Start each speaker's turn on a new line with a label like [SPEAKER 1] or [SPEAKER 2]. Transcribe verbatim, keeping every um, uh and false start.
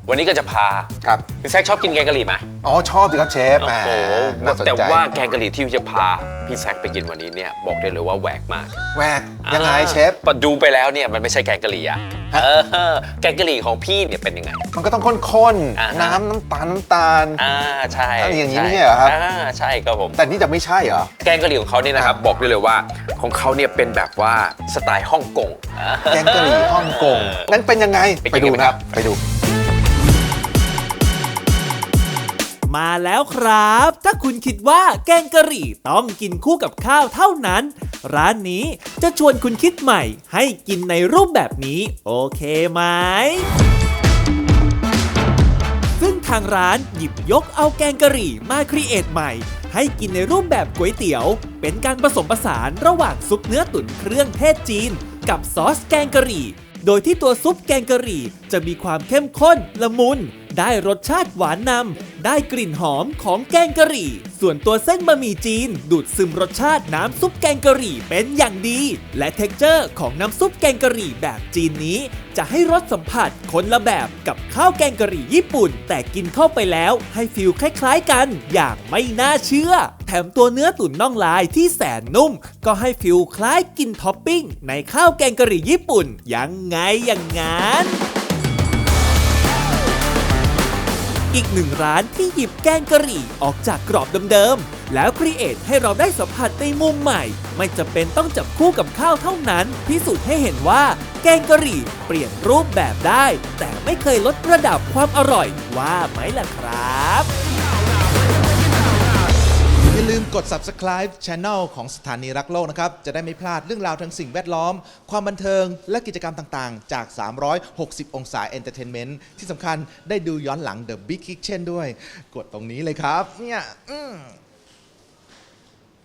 [SPEAKER 1] วันนี้ก็จะพา
[SPEAKER 2] ครับ
[SPEAKER 1] พี่แซคชอบกินแกงกะหรี่ไหม
[SPEAKER 2] อ๋อชอบสิครับเชฟแหม
[SPEAKER 1] โอ้โห
[SPEAKER 2] น่าสนใจ
[SPEAKER 1] แต่ว่าแกงกะหรี่ที่จะพาพี่แซคไปกินวันนี้เนี่ยบอกได้เลยว่าแหวกมาก
[SPEAKER 2] แหวกยังไงเชฟ
[SPEAKER 1] อ่าดูไปแล้วเนี่ยมันไม่ใช่แกงกะหรี่อะ
[SPEAKER 2] ฮะ
[SPEAKER 1] เออแกงกะหรี่ของพี่เนี่ยเป็นยังไง
[SPEAKER 2] มันก็ต้องข้น
[SPEAKER 1] อ่า
[SPEAKER 2] ๆ
[SPEAKER 1] ฮะ
[SPEAKER 2] น้ำน้ำตาลน้ำตาล
[SPEAKER 1] อ่าใช่
[SPEAKER 2] อะไรอย่างนี้
[SPEAKER 1] ใช่
[SPEAKER 2] ไม่ใช่เหรอครับ
[SPEAKER 1] อ่าใช่ครับผม
[SPEAKER 2] แต่นี่จะไม่ใช่เหรอ
[SPEAKER 1] แกงกะหรี่ของเขาเนี่ยนะครับบอกได้เลยว่าของเขาเนี่ยเป็นแบบว่าสไตล์ฮ่องกง
[SPEAKER 2] แกงกะหรี่ฮ่องกงงั้นเป็นยังไง
[SPEAKER 1] ไปกินกัน
[SPEAKER 2] ดู
[SPEAKER 1] ครั
[SPEAKER 2] นะ
[SPEAKER 1] บ
[SPEAKER 2] ไปดู
[SPEAKER 3] มาแล้วครับ ถ้าคุณคิดว่าแกงกะหรี่ต้องกินคู่กับข้าวเท่านั้น ร้านนี้จะชวนคุณคิดใหม่ให้กินในรูปแบบนี้โอเคไหม ซึ่งทางร้านหยิบยกเอาแกงกะหรี่มาครีเอทใหม่ ให้กินในรูปแบบก๋วยเตี๋ยว เป็นการผสมผสานระหว่างซุปเนื้อตุ๋นเครื่องเทศจีน กับซอสแกงกะหรี่ โดยที่ตัวซุปแกงกะหรี่จะมีความเข้มข้นละมุน ได้รสชาติหวานนำ ได้กลิ่นหอมของแกงกะหรี่ ส่วนตัวเส้นบะหมี่จีน ดูดซึมรสชาติน้ำซุปแกงกะหรี่เป็นอย่างดี และเท็กเจอร์ของน้ำซุปแกงกะหรี่แบบจีนนี้ จะให้รสสัมผัสคนละแบบกับข้าวแกงกะหรี่ญี่ปุ่น แต่กินเข้าไปแล้วให้ฟีลคล้ายๆกัน อย่างไม่น่าเชื่อ แถมตัวเนื้อตุ๋นน่องลายที่แสนนุ่ม ก็ให้ฟีลคล้ายกินท็อปปิ้งในข้าวแกงกะหรี่ญี่ปุ่นยังไงอย่างงั้น อีกหนึ่งร้านที่หยิบแกงกะหรี่ออกจากกรอบเดิมๆ แล้วครีเอทให้เราได้สัมผัสในมุมใหม่ ไม่จำเป็นต้องจับคู่กับข้าวเท่านั้น พิสูจน์ให้เห็นว่าแกงกะหรี่เปลี่ยนรูปแบบได้ แต่ไม่เคยลดระดับความอร่อยว่าไหมล่ะครับ
[SPEAKER 4] อย่าลืมกด Subscribe Channel ของสถานีรักโลกนะครับ จะได้ไม่พลาดเรื่องราวทางสิ่งแวดล้อม ความบันเทิง และกิจกรรมต่างๆ จาก สามร้อยหกสิบ องศา Entertainment ที่สำคัญได้ดูย้อนหลัง The Big Kitchen ด้วย กดตรงนี้เลยครับ เนี่ยอืม